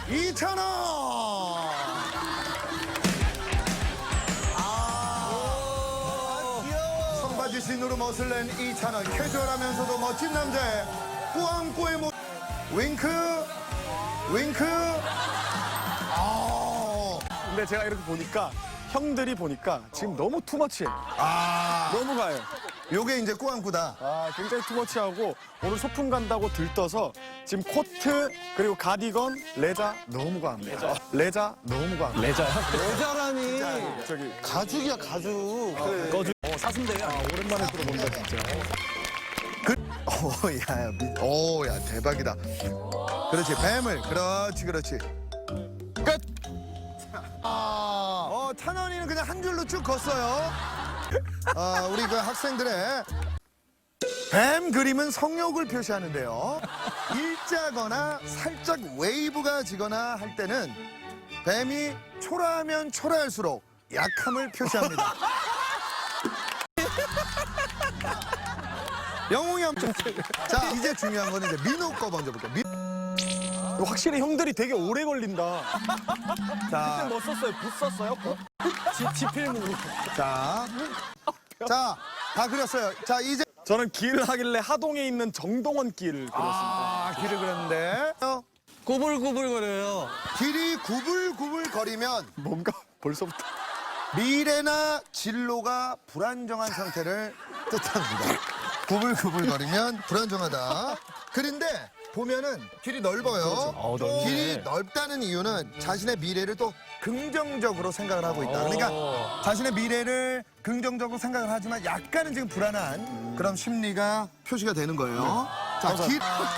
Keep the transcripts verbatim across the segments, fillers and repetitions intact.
이천 원. 아, 귀여워. 청바지 신으로 멋을 낸 이천 원. 캐주얼하면서도 멋진 남자의 꾸안꾸의 모. 윙크, 윙크. 아. 근데 제가 이렇게 보니까 형들이 보니까 지금 너무 투머치해. 아. 너무 가요. 요게 이제 꾸안꾸다. 아, 굉장히 투머치하고 오늘 소풍 간다고 들떠서 지금 코트 그리고 가디건 레자 너무 과합니다. 레자, 레자 너무 과합니다. 레자야? 여자라니. 저기 가죽이야, 가죽. 그래. 꺼주. 어, 사슴대야. 아, 오랜만에 들어본다 진짜. 그, 오, 야, 미, 오, 야, 대박이다. 그렇지, 뱀을. 그렇지, 그렇지. 끝. 아, 어, 찬원이는 그냥 한 줄로 쭉 걷어요. 아, 우리 그 학생들의 뱀 그림은 성욕을 표시하는데요. 일자거나 살짝 웨이브가 지거나 할 때는 뱀이 초라하면 초라할수록 약함을 표시합니다. 영웅이 한번. 자, 이제 중요한 거는 이제 민호 거 먼저 볼게요. 민... 확실히 형들이 되게 오래 걸린다. 자, 뭐 썼어요? 붓 썼어요? 지필문으로. 자, 자, 다 그렸어요. 자, 이제 저는 길 하길래 하동에 있는 정동원 길을 그렸습니다. 아, 길을 그렸는데 구불구불거려요. 길이 구불구불 거리면 뭔가 벌써부터 미래나 진로가 불안정한 상태를 뜻합니다. 구불구불 거리면 불안정하다. 그런데 보면은 길이 넓어요. 어, 넓네. 길이 넓다는 이유는 자신의 미래를 또 긍정적으로 생각을 하고 있다. 그러니까 자신의 미래를 긍정적으로 생각을 하지만 약간은 지금 불안한 그런 심리가 표시가 되는 거예요. 자, 길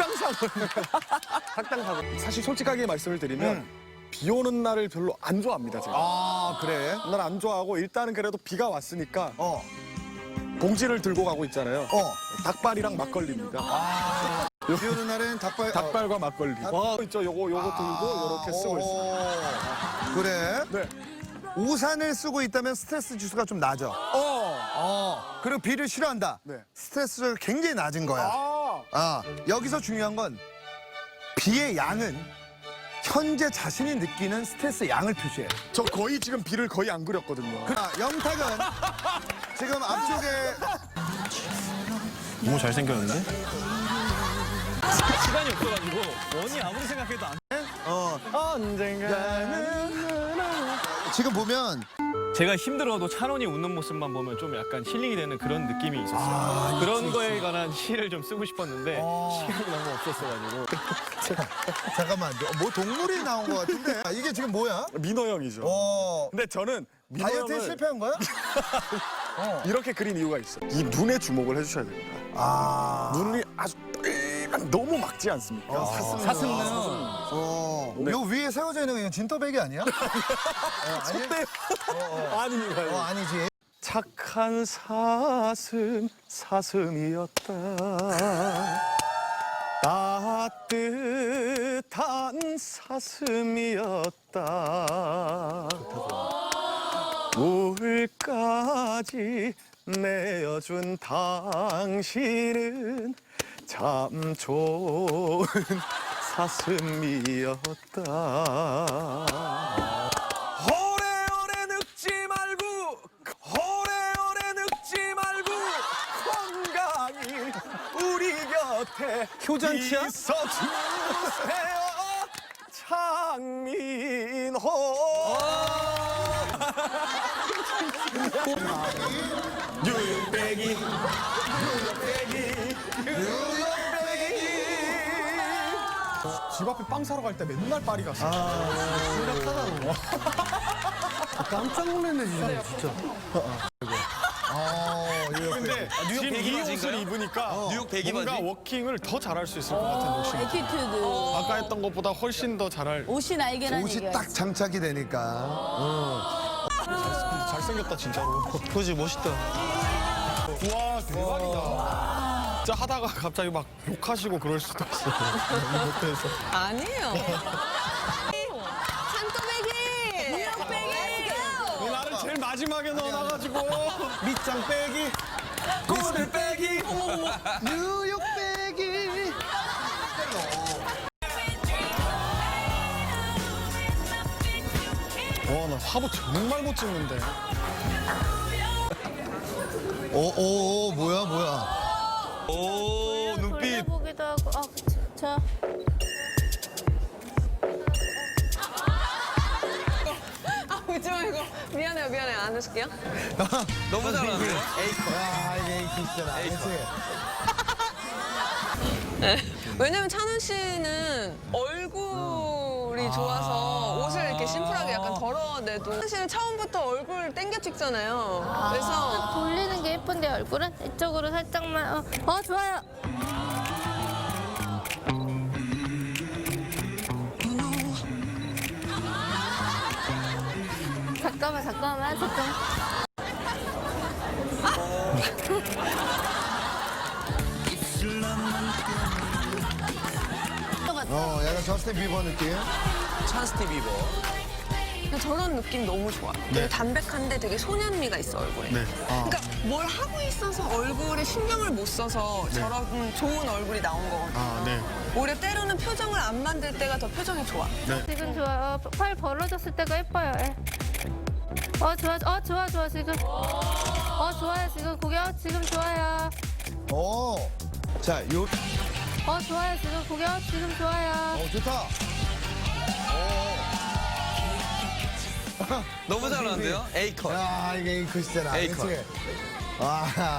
학당사고. 사실 솔직하게 말씀을 드리면 비 오는 날을 별로 안 좋아합니다, 제가. 아, 그래? 날 안 좋아하고 일단은 그래도 비가 왔으니까 어, 봉지를 들고 가고 있잖아요. 어. 닭발이랑 막걸리입니다. 비 오는 날은 닭발. 닭발과 막걸리. 와, 있죠. 요거 요거 들고 이렇게 쓰고 있습니다. 있습니다. 그래? 네. 우산을 쓰고 있다면 스트레스 지수가 좀 낮아. 어. 어. 그리고 비를 싫어한다. 네. 스트레스가 굉장히 낮은 거야. 아. 아, 여기서 중요한 건 비의 양은 현재 자신이 느끼는 스트레스 양을 표시해. 저 거의 지금 비를 거의 안 그렸거든요. 아, 영탁은 지금 앞쪽에 너무 잘생겼는데? 시간이 없어가지고 원이 아무리 생각해도 안 어, 언젠가는 지금 보면 제가 힘들어도 찬원이 웃는 모습만 보면 좀 약간 힐링이 되는 그런 느낌이 있었어요. 그런 거에 관한 시를 좀 쓰고 싶었는데 시간이 너무 없었어가지고. 잠깐만, 뭐 동물이 나온 것 같은데 아, 이게 지금 뭐야? 민호 형이죠. 어, 근데 저는 민호 다이어트에 형을 실패한 거야? 이렇게 그린 이유가 있어요. 이 눈에 주목을 해주셔야 됩니다. 아, 눈이 아주 똘똘 너무 막지 않습니까? 어, 사슴. 사슴눈. 어, 네. 요 위에 세워져 있는 거 이건 진또배기 아니야? 어, 아니? 네. 아닙니다. 어, 아니지. 착한 사슴 사슴이었다. 따뜻한 사슴이었다. 울까지 내어준 당신은 참 좋은 사슴이었다. 오래오래 늙지 말고 오래오래 늙지 말고 건강히 우리 곁에 효잔치야? 있어주세요 장민호. 뉴욕배기 집 앞에 빵 사러 갈 때 맨날 파리 갔어. 깜짝 놀랐네, 진짜. 진짜. 어, 이거 근데 지금 이 옷을 입으니까 뉴욕 배기 뭔가 바지? 워킹을 더 잘할 수 있을 것 같은 느낌. 에티튜드. 아까 했던 것보다 훨씬 더 잘할. 옷이 날개라는 옷이 얘기야. 딱 장착이 되니까. 잘생겼다 진짜로. 그지, 멋있다. 와 대박이다. 진짜 하다가 갑자기 막 욕하시고 그럴 수도 있어. 못해서. 아니에요. 산토배기. 뉴욕배기. 나를 제일 마지막에 넣어놔가지고. 밑장 빼기. 꼬들 빼기. 뉴욕 빼기. 나 화보 정말 못 찍는데. 오, 오, 오, 뭐야, 뭐야. 오 눈빛. 보기도 하고. 아, 그치. 자. 아, 웃지 말고. 미안해요, 미안해요. 안 웃을게요. 너무 잘하는데. 야, 이게 있잖아. 그치? 왜냐면 찬원 씨는 얼굴이 좋아서 옷을 이렇게 심플하게 약간 덜어내도 찬원 씨는 처음부터 얼굴 땡겨 찍잖아요. 그래서 돌리는 게 예쁜데 얼굴은 이쪽으로 살짝만. 어, 어 좋아요. 잠깐만, 잠깐만, 잠깐. 어, 약간 저스틴 비버 느낌. 찬스티 비버. 그냥 저런 느낌 너무 좋아. 되게 담백한데 되게 소년미가 있어, 얼굴에. 네. 그러니까 뭘 하고 있어서 얼굴에 신경을 못 써서 저런 좋은 얼굴이 나온 거거든요. 아, 네. 오히려 때로는 표정을 안 만들 때가 더 표정이 좋아. 지금 좋아요. 어, 팔 벌어졌을 때가 예뻐요. 예. 어 좋아, 어 좋아, 좋아 지금. 어 좋아요 지금 고개. 어, 지금 좋아요. 오. 자, 요, 어 좋아요 지금 고개. 어, 지금 좋아요. 어, 좋다. 너무 잘하는데요? A 컷. 야, 이게 A컷이잖아. A 컷. 그치? 와.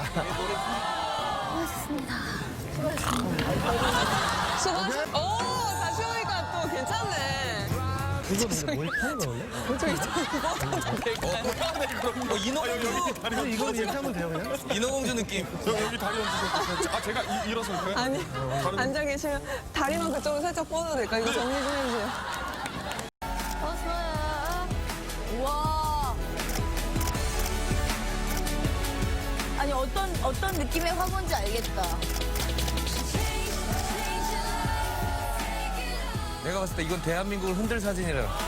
수고하셨. 오, 다시 오니까 또 괜찮네. 이거 근데 뭘 타는 거 원래? 저기 저기 어, 인어공주. 아니, 이거 이렇게 하면 돼요, 그냥? 인어공주 느낌. 여기, 여기 다리 얹으세요. 아, 제가 이, 일어설까요? 아니 앉아 계시면 다리만 그쪽으로 살짝 뻗어도 될까? 이거 정리 좀 해주세요. 어 좋아요. 와. 아니 어떤 어떤 느낌의 화보인지 알겠다. 내가 봤을 때 이건 대한민국을 흔들 사진이라.